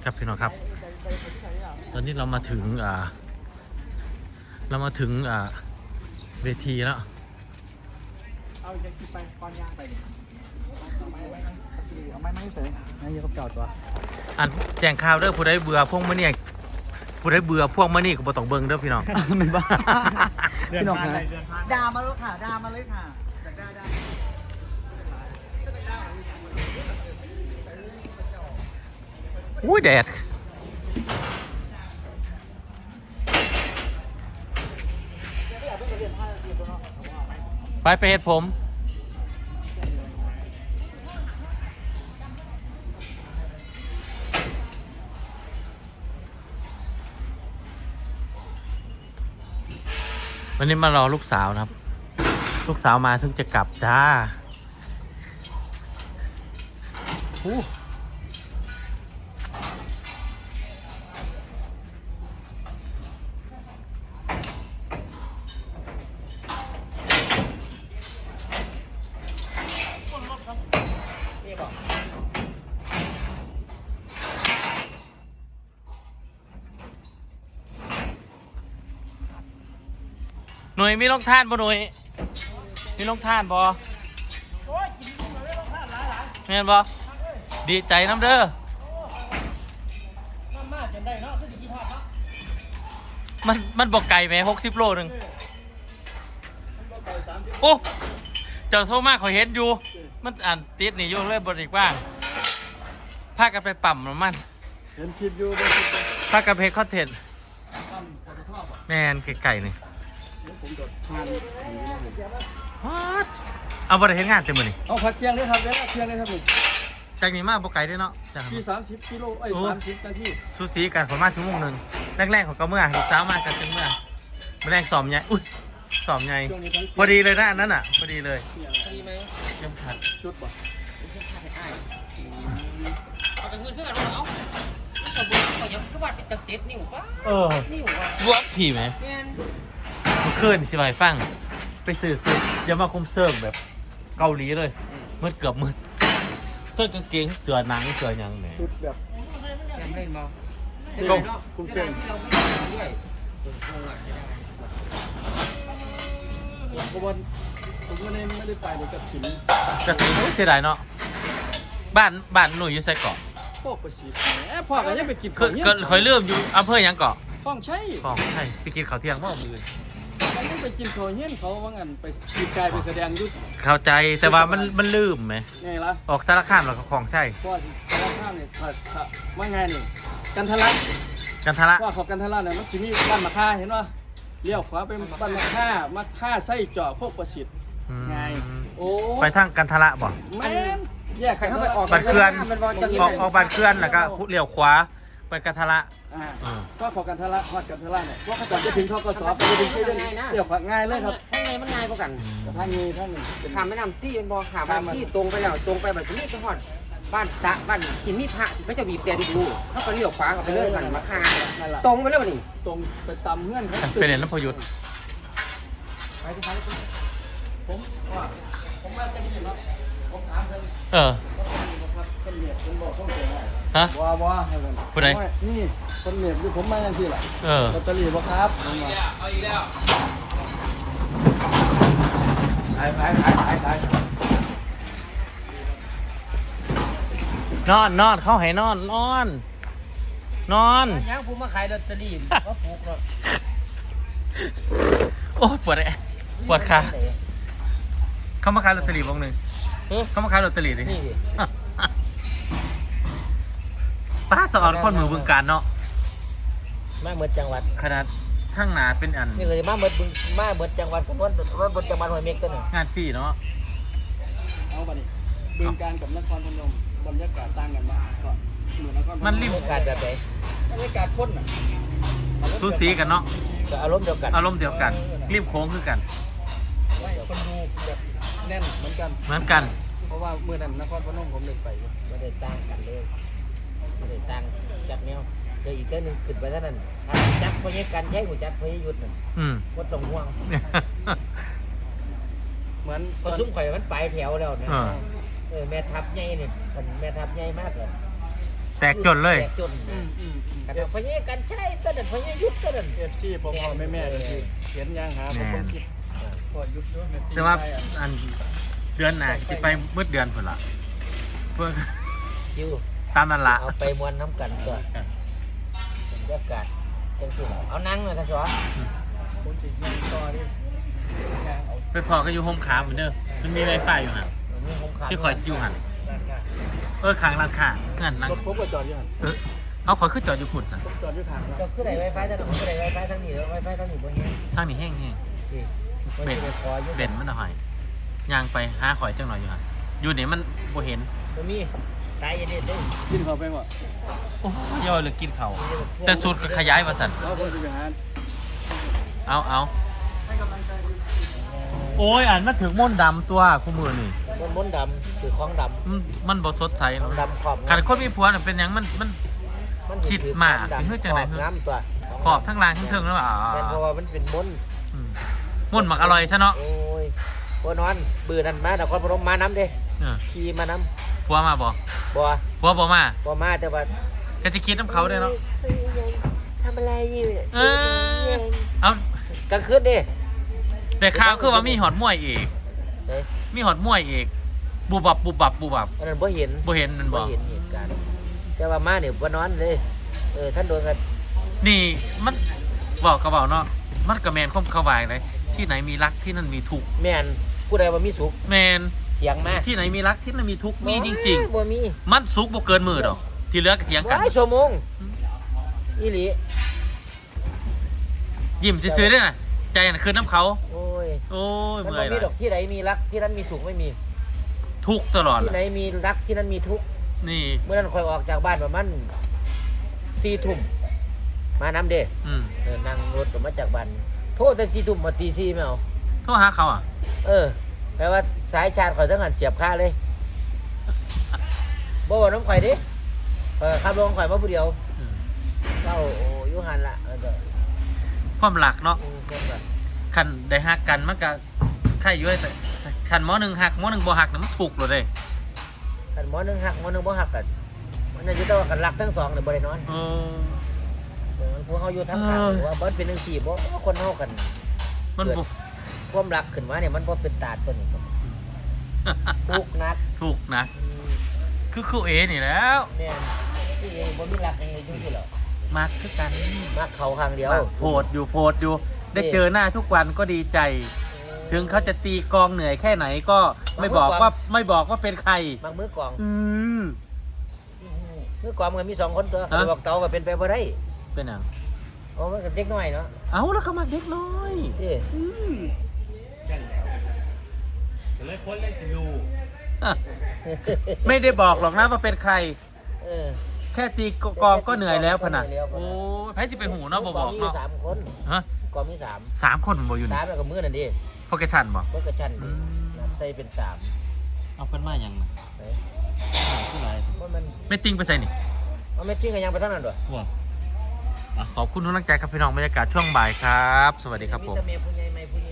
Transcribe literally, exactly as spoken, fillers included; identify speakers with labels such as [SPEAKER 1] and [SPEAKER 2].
[SPEAKER 1] ครับพี่น้องครับตอนนี้เรามาถึงอ่าเรามาถึงอ่าเวทีแล้ว
[SPEAKER 2] เอาจะกินไปก้อนย่างไปดิเอาไม้ไว้เอาไม้ไม้เสยไม้เยอะกับจอดตัว
[SPEAKER 1] อันแจ้งข่าวเด้อผู้ใดเบื่อพวกมื้อนี้ผู้ใดเบื่อพวกมื้อนี้ก็บ่ต้องเบิ่งเด้อพี่น้อง
[SPEAKER 2] ไม่บ้าพี่น้องครับ
[SPEAKER 3] ด่ามาเลยค่ะด่ามาเลยค่ะด่าด่าด่า
[SPEAKER 1] อุ้ยแดดไปไปเฮ็ดผมวันนี้มารอลูกสาวนะครับลูกสาวมาถึงจะกลับจ้าอู้หน่วยมีลงท่านบ่หน่วยมีลงท่านบ่เห็นบ่ดีใจน้ำเด้อมันมันบอกไก่ไหมหกสิบโลหนึ่งโอ้เจ้าโซมากเขาเห็นอยู่มันอ่านติดนี่อยู่เลยบริกว่างพากันไปปั่มน้ำมัน
[SPEAKER 2] เห็นคลิปอยู่
[SPEAKER 1] พากันเพจคอนเทนต์แมนไก่นี่เอาบริเห็นงานเต็มมือนี่
[SPEAKER 2] เอาผัดเคียงเลยครับแล้วเคียงเลยครับผม
[SPEAKER 1] จากนี้มาบอกไก่ด้วยเนาะจาก
[SPEAKER 2] ที่สามสิบกิโลไอ้สามสิบนาที
[SPEAKER 1] สูสีกันประมาณชั่วโมงหนึ่งแรกๆของก็เมื่อลูกสาวมากันจึงเมื่อแรกสอบใหญ่อุ้ยสอบใหญ่พอดีเลยนะอันนั้นอ่ะพอดีเลย
[SPEAKER 3] พอดีไหม
[SPEAKER 1] เข็มขัด
[SPEAKER 2] ชุดป่ะ
[SPEAKER 3] เข็มขัดให้อ้ายเอาแต่เงินเพื่อนเอาเอาแต่บุญเขายังก็วัดเป็นจักเจ็ดนิ้วป่ะ
[SPEAKER 1] เออ
[SPEAKER 3] นิ้วว่ะ
[SPEAKER 1] วัดผีไหม
[SPEAKER 3] แม่น
[SPEAKER 1] คืนสิบายฟังไปซื้อสูตรยามาคุมเซิร์ฟแบบเกาหลีเลยมืดเกือบมืดเสื้อกางเกงเสื้อหนังเสื้อยังแหม
[SPEAKER 2] ชุดแบบ
[SPEAKER 3] แกมเล่นมา
[SPEAKER 1] ก็
[SPEAKER 2] คุมเสื้อ
[SPEAKER 3] ที่เราไม่ได้ด้วยคงอ่ะ
[SPEAKER 2] เพราะว่าผมไม่ได้ไม่ได้ไปเลยกับถิ่น
[SPEAKER 1] กระถิ่นเสียดายเนาะบ้านบ้านหนุ่ยอยู่ไซเกาะ
[SPEAKER 2] พวกประสิทธิ์แหมพ่อก็ยังไปกิน
[SPEAKER 1] เคยเคยเริ่มอยู่อำเภอยังเกาะ
[SPEAKER 2] คลองใช่
[SPEAKER 1] คลองใช่ไปกินข้าวเที่ยงเมื่อมือ
[SPEAKER 2] มันต้องไปกินโถเฮี้ยนเขาว่างั้นไปกินกายไปแสดงยุทธ
[SPEAKER 1] เข้าใจแต่ว่ามันมันลืมไหม
[SPEAKER 2] ไงล่ะ
[SPEAKER 1] ออกสารคามหรอของใช่
[SPEAKER 2] เพราะสารคามเนี่ยถ้าถ้าว่าไงนี่กันทะลัก
[SPEAKER 1] กันทะลัก
[SPEAKER 2] ว่าเขากันทะลักเนี่ยมันจะมีบ้านมะค่าเห็นป่ะเลี้ยวขวาไปบ้านมะค่ามะค่าไส้เจาะพวกประสิทธิ์ไงโอ้
[SPEAKER 1] ไปทางกันทะลักบ่
[SPEAKER 2] แม่แยกใครเข้าไปออก
[SPEAKER 1] บัตรเคลื่อนออกออกบัตรเคลื่อนแล้วก็เลี้ยวขวาไปกันทะลัก
[SPEAKER 2] ก็ขอกันทะลักขอกันทะลักเนี่ยเพราะก่อนจะถึงทกศไปถึงที่เรื่องเลี้ยวขวาง่ายเลยครับ
[SPEAKER 3] ข้างในมันง่ายกว่ากัน
[SPEAKER 2] ทางนี้ท่าน
[SPEAKER 3] ขามแม่น้ำซี่เป็นบ่อขามแม่น้ำซี่ตรงไปแล้วตรงไปแบบนี้ไปหอดบ้านสะบ้านหินมีพระก็จะบีบแต่ดิดูเขาก็เลี้ยวขวากันไปเลยกันมาคาตรงไปแล้วนี่
[SPEAKER 2] ตรงไปตามเงื่อนเขา
[SPEAKER 1] เป็นเรื่องพยุทธ์
[SPEAKER 2] ไปที่ไหนผมว่าผมมาจะมีครับผมถามเพิ่น
[SPEAKER 1] เออ
[SPEAKER 2] คนเหนียบคนบอกต้องเสีย
[SPEAKER 1] ฮะ
[SPEAKER 2] ว้าว้าให้กัน
[SPEAKER 1] ผู้ใด
[SPEAKER 2] นี่คนเหนียบคือผมมาอย่างที่แหละ
[SPEAKER 1] เออ
[SPEAKER 2] ลอตเตอรี่บ่ครับเอาอีกแล้วเอาอีกแล้วขายขายขายขายขาย
[SPEAKER 1] นอนนอนเขาให้นอนนอนนอน
[SPEAKER 3] ยังผมมาขายลอตเตอรี่ว่าปลูกเนาะ
[SPEAKER 1] โอ้ปวดเลยปวดขาเขามาขายลอตเตอรี่บ้างหนึ่งเขามาขายลอตเตอรี่ดิป้าสอนคนมือบึงการเนาะ
[SPEAKER 3] มาเบิดจังหวัด
[SPEAKER 1] ขนาดช่างหนาเป็นอัน
[SPEAKER 3] นี่เลยมาเบิดบึงมาเบิดจังหวัดผมว่ารถเบิดจังหวัดหอยเมฆตัวหนึ่ง
[SPEAKER 1] งานฟรีเนาะ
[SPEAKER 2] เอาไปดิบึงการกับนครพนมบรรยากาศต่างกันมากก็เหมือนนครพนม
[SPEAKER 1] มันริม
[SPEAKER 3] บรรยากาศแบบไหน
[SPEAKER 2] บรรยากาศข้นอ่ะ
[SPEAKER 1] สูสีกันเนาะ
[SPEAKER 3] อารมณ์เดียวกัน
[SPEAKER 1] อารมณ์เดียวกันริมโค้งคือกัน
[SPEAKER 2] ไม่คนดูแบบแน่นเหมือนกัน
[SPEAKER 1] เหมือนกัน
[SPEAKER 2] เพราะว่าเมื่อนั้นนครพนมผมเดินไป
[SPEAKER 3] ไม่ได้ต่างกันเลยไม่ได้ต่างจัดแนวเดี๋ยวอีกแค่นึงขึ้นไปเท่านั้นจัดพยกันใช้หัวจัดพยยุทธ์นั่นวัดตรงห่วง
[SPEAKER 2] เหมือน
[SPEAKER 3] พอซุ้มข่อยมันไปแถวแล้วนะเออแม่ทับใหญ่เนี่ยแม่ทับใหญ่มากเลย
[SPEAKER 1] แตกจนเลย
[SPEAKER 4] แตกจน
[SPEAKER 2] อืมอืมอืม
[SPEAKER 4] กันพญากันใช่ต้นนั้นพญายุทธต้นนั้น
[SPEAKER 2] เอฟซีพ่อพ่อแม่แม่ก็คือเขียนยังหาผมคนคิดพ่อยุบด้วย
[SPEAKER 1] แต่ว่าอันเดือนหน้าสิไปมืดเดือนพุ่นล่ะเพื่อ
[SPEAKER 4] คิว
[SPEAKER 1] ตามนั่นละ
[SPEAKER 4] เอาไปมวนน้ำกันก่อนบรรยากาศจังสิเราเอานั่งหน่อยท่านสว
[SPEAKER 2] ผมจะยังต่อดิยังเอา
[SPEAKER 1] ไปพอก็อยู่โฮมขาเหมือนเดิมมันมีไวไฟอยู่หัน
[SPEAKER 4] มีคงขา
[SPEAKER 1] ที่คอยอยู่หัน
[SPEAKER 2] ด้านข้าง
[SPEAKER 1] เออขางร้านค้าเงินนั่ง
[SPEAKER 2] รถผมก็จอดอยู่หัน
[SPEAKER 1] เออเอาขอยขึ้นจอดอยู่พุ่นน่ะ
[SPEAKER 2] ผมจอดอยู่ข้าง
[SPEAKER 4] ก็คือไหนไวไฟท่านคือไหนไวไฟทั้งนี้ไวไฟทั้งนี้บ่เห็น
[SPEAKER 1] ทางนี้แห้งแห้ง
[SPEAKER 4] ที่บ่สิได้ขออยู่
[SPEAKER 1] เด่นมันหน่อยย่างไปหาข่อยจังหน่อยอยู่หันอยู่นี่มันบ่เห็น
[SPEAKER 4] บ่มีตายเย็นๆเด้อ
[SPEAKER 2] กินเข้าไปว่ะ
[SPEAKER 1] โอ้ยย่อยเลยกินเขาวแต่สูตรก็ขยายมาสั่น
[SPEAKER 2] เราผมจะไปหา
[SPEAKER 1] เอาเอาโอ้ยอ่านมาถึงม่นต์ดำตัวคู่มือนี่
[SPEAKER 4] บนบนดำคือของดำ
[SPEAKER 1] มันมันบ่สดใส
[SPEAKER 4] ข
[SPEAKER 1] เนาะ
[SPEAKER 4] องดำขอบ
[SPEAKER 1] คันคนมีผัวน่ะเป็นหยังมันมัน
[SPEAKER 4] มัน
[SPEAKER 1] คิดมากเป็นเพื่อจังไหน
[SPEAKER 4] ขอบน้ำตัว
[SPEAKER 1] ขอบทั้งล่างทั้งเทิงแล้วอ่ะ
[SPEAKER 4] แม่นเพราะว่ามันเป็นมนต์
[SPEAKER 1] อืมม่นต์หมักอร่อยซะเนาะ
[SPEAKER 4] โอ้ยบ่นอนบื้อนั่นมานครพนมมาน้ำเด้
[SPEAKER 1] เออ
[SPEAKER 4] ขี่มาน้
[SPEAKER 1] ผัวมาบ่
[SPEAKER 4] ำบ่
[SPEAKER 1] ผัวบ่มา
[SPEAKER 4] บ่มาแต่ว่า
[SPEAKER 1] ก็จะคิดน้ำเขาด้วยเนาะ
[SPEAKER 4] ทำอะไรอยู่
[SPEAKER 1] เออเอา
[SPEAKER 4] กลางคืนดิ
[SPEAKER 1] แต่ข่าวคือว่ามีหอดมวยอีก
[SPEAKER 4] เฮ้ย
[SPEAKER 1] มีหอดมวยอีกบูบับบูบับบูบับ
[SPEAKER 4] อันนั้นบ่เห็น
[SPEAKER 1] บ่เห็นมัน
[SPEAKER 4] บ่
[SPEAKER 1] บ่
[SPEAKER 4] เห็นเหตุการณ์แต่ว่ามาเนี่ยบ่นอนเลยเออท่านโดนกัน
[SPEAKER 1] นี่มันบอกกระเบาเนาะมันกระแมนข้อมเข้าวายเลยที่ไหนมีรักที่นั่นมีทุกข์
[SPEAKER 4] แม่นผู้ใดว่ามีสุข
[SPEAKER 1] แมน
[SPEAKER 4] เถียงมา
[SPEAKER 1] ที่ไหนมีรักที่นั่นมีทุกข์มีจริง
[SPEAKER 4] บ่มี
[SPEAKER 1] ๆ มันสุกบ่เกินมือดอก ที่เหลือก็เถียงกัน
[SPEAKER 4] ว้ายชั่วโมงอีหลี
[SPEAKER 1] ยิ้มซื่อๆด้วยนะใจน่ะคือน้ำเขา
[SPEAKER 4] โอ้ย
[SPEAKER 1] โอ้ย
[SPEAKER 4] มัน
[SPEAKER 1] เมื่
[SPEAKER 4] บ่
[SPEAKER 1] อย
[SPEAKER 4] มี
[SPEAKER 1] ละ
[SPEAKER 4] ดอกที่ไหนมีรักที่นั้นมีสุขไม่มี
[SPEAKER 1] ทุกข์ตลอด
[SPEAKER 4] ที่
[SPEAKER 1] ล่ะ
[SPEAKER 4] ไหนมีรักที่นั้นมีทุกข์
[SPEAKER 1] นี่
[SPEAKER 4] เมื่อนั้นคอยออกจากบ้านประมาณสี่ทุ่มมาน้ำเด้
[SPEAKER 1] อืม
[SPEAKER 4] เออนั่งรถออกมาจากบ้านโทษแต่สี่ทุ่มมาตีสี่ไม่เอา
[SPEAKER 1] โทรหาเขาอ่ะ
[SPEAKER 4] เออแปลว่าสายชาร์จข่อยต้องหันเสียบค่าเลยบ่ว่าน้ำข่อยดิเออขับรถของข่อยมาผู้เดียว
[SPEAKER 1] อืม
[SPEAKER 4] เจ้าโอ้อยุหันละเออก็
[SPEAKER 1] ความหลักเนาะ
[SPEAKER 4] อืมเพิ่นก็
[SPEAKER 1] คันได้หักกันมันก็ใครอยู่แต่คันหมอหนึ่งหักหมอหนึ่งบ่หักน่ะมันถูกเลยเด้
[SPEAKER 4] กันหมอหนึงหักหมอหนึงบ่หักกันมันน่ะอยู่แต่ว่ากันรักทั้งสองเนี่ยบ่ได้นอน
[SPEAKER 1] เออ
[SPEAKER 4] เออมันพวกเฮาอยู่ทั้งข้าง
[SPEAKER 1] เออ
[SPEAKER 4] หรือว่าบ่เป็นจังซี่บ่คนเฮากัน
[SPEAKER 1] มันบ่
[SPEAKER 4] ความรักขึ้นมาเนี่ยมันบ่เป็นตาดตัวนี้ครับทุกข์หนัก
[SPEAKER 1] ถูกนะ
[SPEAKER 4] อืม
[SPEAKER 1] คือครูเอนี่แล้ว
[SPEAKER 4] แม่นที่เองบ่มีรักยังไงจังซี่เหรอ
[SPEAKER 1] มักคือกัน
[SPEAKER 4] มาเขาข้างเดียว
[SPEAKER 1] โพดอยู่โพดอยู่ ได้เจอหน้าทุกวันก็ดีใจ ถึงเขาจะตีกองเหนื่อยแค่ไหนก็ไม่บอกว่าไม่บอกว่าเป็นใคร
[SPEAKER 4] มักมือกลอง
[SPEAKER 1] อืม
[SPEAKER 4] มือกลองมันก็มีสองคนตัว
[SPEAKER 1] ฮะ
[SPEAKER 4] บอกเตาก็เป็นไปบ่ได้
[SPEAKER 1] เป็นหยัง
[SPEAKER 4] โอ้มันก็เด็กน้อยเนาะ
[SPEAKER 1] เอาแล้วก็มักเด็กน้อย
[SPEAKER 4] ที่
[SPEAKER 1] อืม
[SPEAKER 5] เลยคนเล่นคือดู
[SPEAKER 1] อ่ะไม่ได้บอกหรอกนะว่าเป็นใคร
[SPEAKER 4] เออ
[SPEAKER 1] แค่ตีกองก็เหนื่อยแล้วพะนะโอ้ยแพ้จะไปหูเนาะบอกบอก
[SPEAKER 4] มี
[SPEAKER 1] เนาะ
[SPEAKER 4] สามคน
[SPEAKER 1] ฮะ
[SPEAKER 4] กองมีสาม
[SPEAKER 1] สามคนผมบอกอยู่
[SPEAKER 4] สา
[SPEAKER 1] นี่
[SPEAKER 4] มแล้วก็มือนั่นดิ
[SPEAKER 1] โฟกัสชันบอก
[SPEAKER 4] ก็กระชั้นดิ
[SPEAKER 1] อืม
[SPEAKER 4] นับใส่เป็นสาม
[SPEAKER 1] เอาเป็นมาอย่างนะ
[SPEAKER 4] เฮ้
[SPEAKER 1] ผู้ไร
[SPEAKER 4] มันมัน
[SPEAKER 1] ไม่ติ้งไปใส่นี่
[SPEAKER 4] เอาไม่ทิ้งกันยังไปทั้งนั้นด้วย
[SPEAKER 1] ว้าอ่ะขอบคุณทุกท่านใจครับพี่น้องบรรยากาศช่วงบ่ายครับ สวัสดีครับผม
[SPEAKER 4] แต่เมียผู้ใหญ่ไม่ผู้ใหญ่